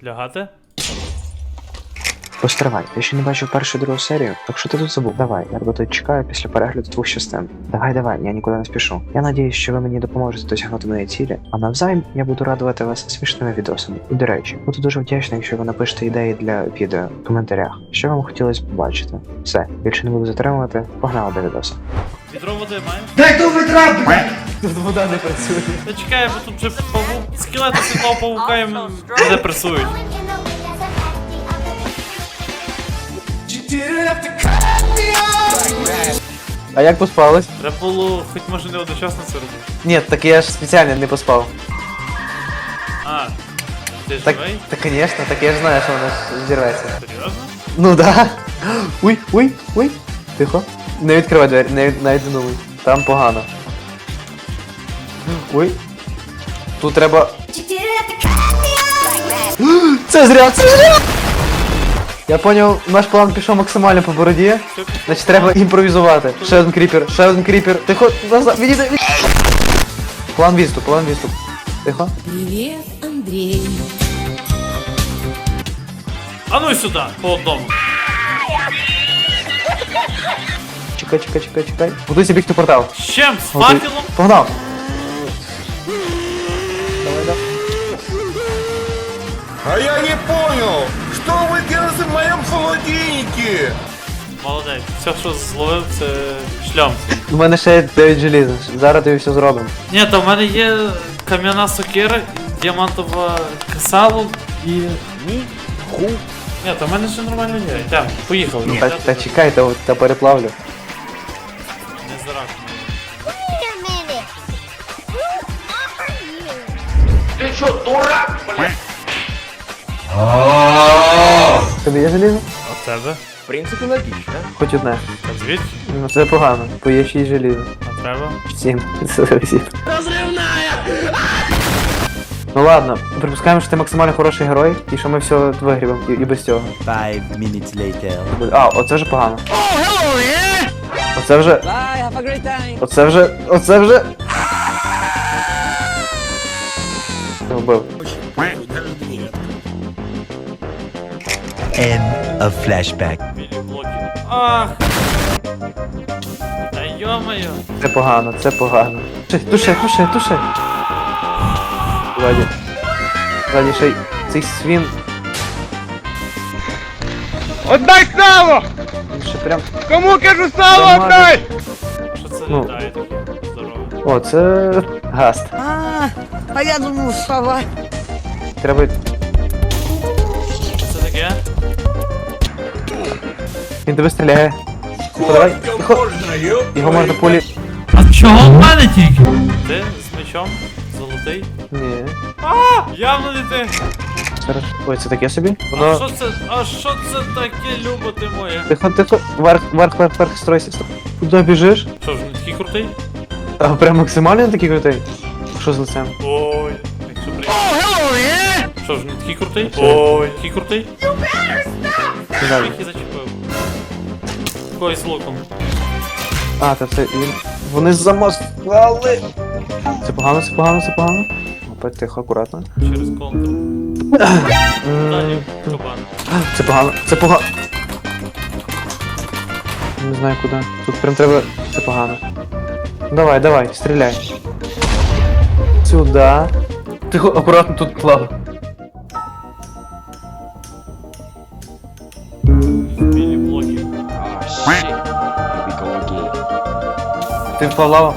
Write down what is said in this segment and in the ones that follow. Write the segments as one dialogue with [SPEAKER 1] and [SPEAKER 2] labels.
[SPEAKER 1] Лягати?
[SPEAKER 2] Постривай, ти ще не бачив першу і другу серію? Так що ти тут забув? Давай, я тебе тут чекаю після перегляду двох частин. Давай, я нікуди не спішу. Я надіюсь, що ви мені допоможете досягнути моєї цілі, а навзаєм я буду радувати вас смішними відосами. І до речі, буду дуже вдячний, якщо ви напишете ідеї для відео в коментарях, що вам хотілося побачити. Все, більше не буду затримувати, погнали до відоса.
[SPEAKER 1] Відро води маємо?
[SPEAKER 3] Дай ту ведра, блядь!
[SPEAKER 4] Тут вода не працює.
[SPEAKER 1] Та чекай, бо тут вже павук, скелети світлого павука їм не пресують.
[SPEAKER 4] А як поспалось?
[SPEAKER 1] Треба було хоч може не одночасно це робити.
[SPEAKER 4] Ні, так я ж спеціально не поспав.
[SPEAKER 1] А, ти
[SPEAKER 4] Так,
[SPEAKER 1] живий?
[SPEAKER 4] так, конечно, так я ж знаю, що вона ж зірветься.
[SPEAKER 1] Серйозно?
[SPEAKER 4] Ну да. Ой. Тихо. Не відкривай двері, навіть не думай. Там погано. Ой. Тут треба. Це зря! Я поняв, наш план пішов максимально по бороді. Значить треба імпровізувати. Ще один кріпер. Тихо, назад, відійди. План відступ. Тихо.
[SPEAKER 5] Привет, Андрей.
[SPEAKER 1] А ну й сюди, по одному.
[SPEAKER 4] Чекай. Готуйся бігти в портал.
[SPEAKER 1] З чим? З
[SPEAKER 4] Готуй.
[SPEAKER 1] факелом?
[SPEAKER 4] Погнав.
[SPEAKER 3] А я не понял, что вы делаете в моем холодильнике?
[SPEAKER 1] Молодець. Все, що зловив, це шлям.
[SPEAKER 4] У мене ще є 9 желіза. Зараз тобі все зробимо.
[SPEAKER 1] Ні, то в мене є кам'яна сокира, діамантова касалу і... Ні, то в мене ще нормально є. Йдемо, поїхали.
[SPEAKER 4] Та чекай, та переплавлю.
[SPEAKER 1] Не зарак.
[SPEAKER 6] Wait a minute. Who are you?
[SPEAKER 4] Тобі є желізо?
[SPEAKER 1] А тебе?
[SPEAKER 3] В принципе, логично.
[SPEAKER 4] Хоч одне.
[SPEAKER 1] А звідки?
[SPEAKER 4] Ну це погано, бо є 6 желіза.
[SPEAKER 1] А треба?
[SPEAKER 4] 7. Ну ладно, припускаємо, що ти максимально хороший герой, і що ми все вигрібемо, і без цього.
[SPEAKER 7] 5 minutes later.
[SPEAKER 4] А, оце вже погано. Оце вже...
[SPEAKER 7] Bye, have a great time.
[SPEAKER 4] Оце вже... Я вбив.
[SPEAKER 7] End of flashback.
[SPEAKER 1] Білі блоки. Ах! Та йо-моє!
[SPEAKER 4] Це погано. Туши. Ззаді ще й цей свін.
[SPEAKER 3] Отдай сало!
[SPEAKER 4] Він ще прям...
[SPEAKER 3] Кому кажу сало отдай!
[SPEAKER 1] Що це
[SPEAKER 4] Ну.
[SPEAKER 1] літає таке? Здорово.
[SPEAKER 4] О, це... Гаст.
[SPEAKER 5] А я думал, сова.
[SPEAKER 4] Треба...
[SPEAKER 1] Що це таке?
[SPEAKER 4] Він тебе стріляє. Тихо, давай, тихо. Його можна пулі...
[SPEAKER 1] А чого в мене тільки? Ти з мечом? Золотий?
[SPEAKER 4] Ні.
[SPEAKER 1] Явно не ти!
[SPEAKER 4] Зараз... Ой, це таке собі?
[SPEAKER 1] А
[SPEAKER 4] Воно...
[SPEAKER 1] що це таке, любо ти моє?
[SPEAKER 4] Тихо. Вверх, стройся. Куди біжиш?
[SPEAKER 1] Що ж, не такий крутий?
[SPEAKER 4] А прям максимально такий крутий? Що з лицем?
[SPEAKER 1] Ой, якщо приємно. Що ж, не такий крутий? Ой, такий крутий?
[SPEAKER 4] Не знаю.
[SPEAKER 1] Який зачепив. Когось з луком.
[SPEAKER 4] А, та це він... Вони замаскали! Це погано. Опять тихо, акуратно.
[SPEAKER 1] Через контур. Далі кабан.
[SPEAKER 4] Це погано. Не знаю куди. Тут прям треба... Це погано. Давай, стріляй. Сюда. Тихо, акуратно тут плава.
[SPEAKER 1] Білі блоки.
[SPEAKER 4] Ти впав в лаву?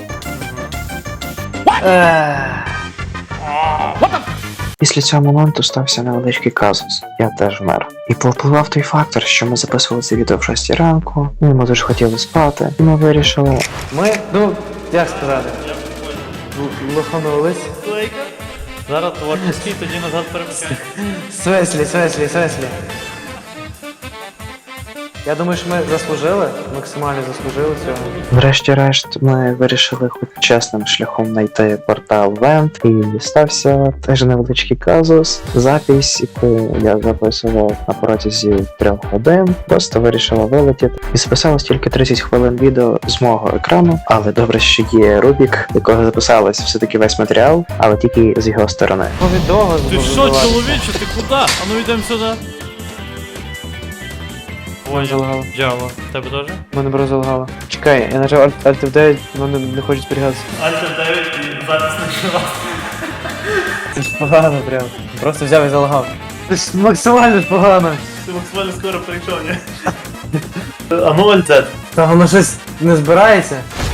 [SPEAKER 2] Після цього моменту стався невеличкий казус. Я теж вмер. І повпливав той фактор, що ми записували це відео в 6 ранку, ми дуже хотіли спати, і ми вирішили...
[SPEAKER 4] Ми, ну, як сказати, лоханулись.
[SPEAKER 1] Лейка. Зараз творчий, тоді назад перемикаємо.
[SPEAKER 4] Свеслі. Я думаю, що ми заслужили, максимально заслужили цього.
[SPEAKER 2] Врешті-решт, ми вирішили хоч чесним шляхом знайти портал Вент, і стався теж невеличкий казус. Запись, яку я записував на протязі 3 годин, просто вирішила вилетіти. І записалось тільки 30 хвилин відео з мого екрану, але добре, що є Рубік, до якого записалось все-таки весь матеріал, але тільки з його сторони.
[SPEAKER 4] Повідомо
[SPEAKER 1] Ти що, чоловіче, ти куди? А ну йдемо сюди. Ой,
[SPEAKER 4] Залагало.
[SPEAKER 1] Джава. Тебе теж?
[SPEAKER 4] Мене бро залагало. Чекай, я нажав Alt F9, мене не хоче зберігатися.
[SPEAKER 1] Альтер 9 і запис не жива.
[SPEAKER 4] Це ж погано прям. Просто взяв і залагав. Це ж максимально ж погано.
[SPEAKER 1] Ти максимально скоро прийшов, ні? А ну альтет.
[SPEAKER 4] Та воно щось не збирається.